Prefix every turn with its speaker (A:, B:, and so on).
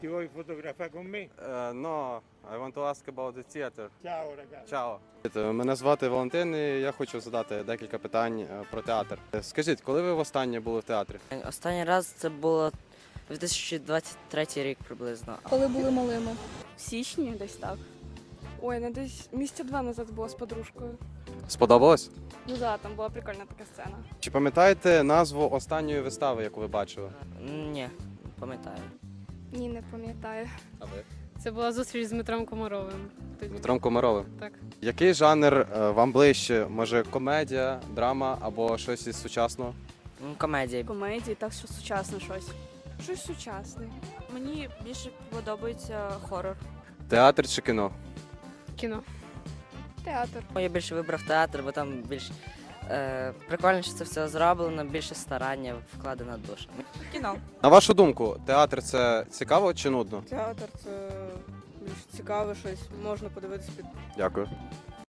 A: Ti vuoi fotografare con me?
B: No, I want to ask about the theater.
A: Ciao ragazzi.
B: Ciao. Мене звати Валентин, і я хочу задати декілька питань про театр. Скажіть, коли ви востаннє були в театрі?
C: Останній раз це було 2023 рік приблизно.
D: Коли були малими.
E: В січні десь так.
D: Ой, не десь місяця 2 назад була з подружкою.
B: Сподобалось?
D: Ну да, там була прикольна така сцена.
B: Чи пам'ятаєте назву останньої вистави, яку ви бачили?
C: Ні, пам'ятаю.
D: Ні, не пам'ятаю.
B: А ви?
E: Це була зустріч з Дмитром Комаровим. Тоді.
B: Дмитром Комаровим.
E: Так.
B: Який жанр вам ближче? Може, комедія, драма або щось із сучасного?
C: Комедія.
E: Комедії, так що сучасне щось.
D: Щось сучасне.
F: Мені більше подобається хорор.
B: Театр чи кіно?
E: Кіно.
D: Театр.
C: Я більше вибрав театр, бо там більш прикольніше це все зроблено, більше старання вкладено душа.
F: Кіно.
B: На вашу думку, театр це цікаво чи нудно?
G: Театр це більш цікаве щось, можна подивитися під
B: Дякую.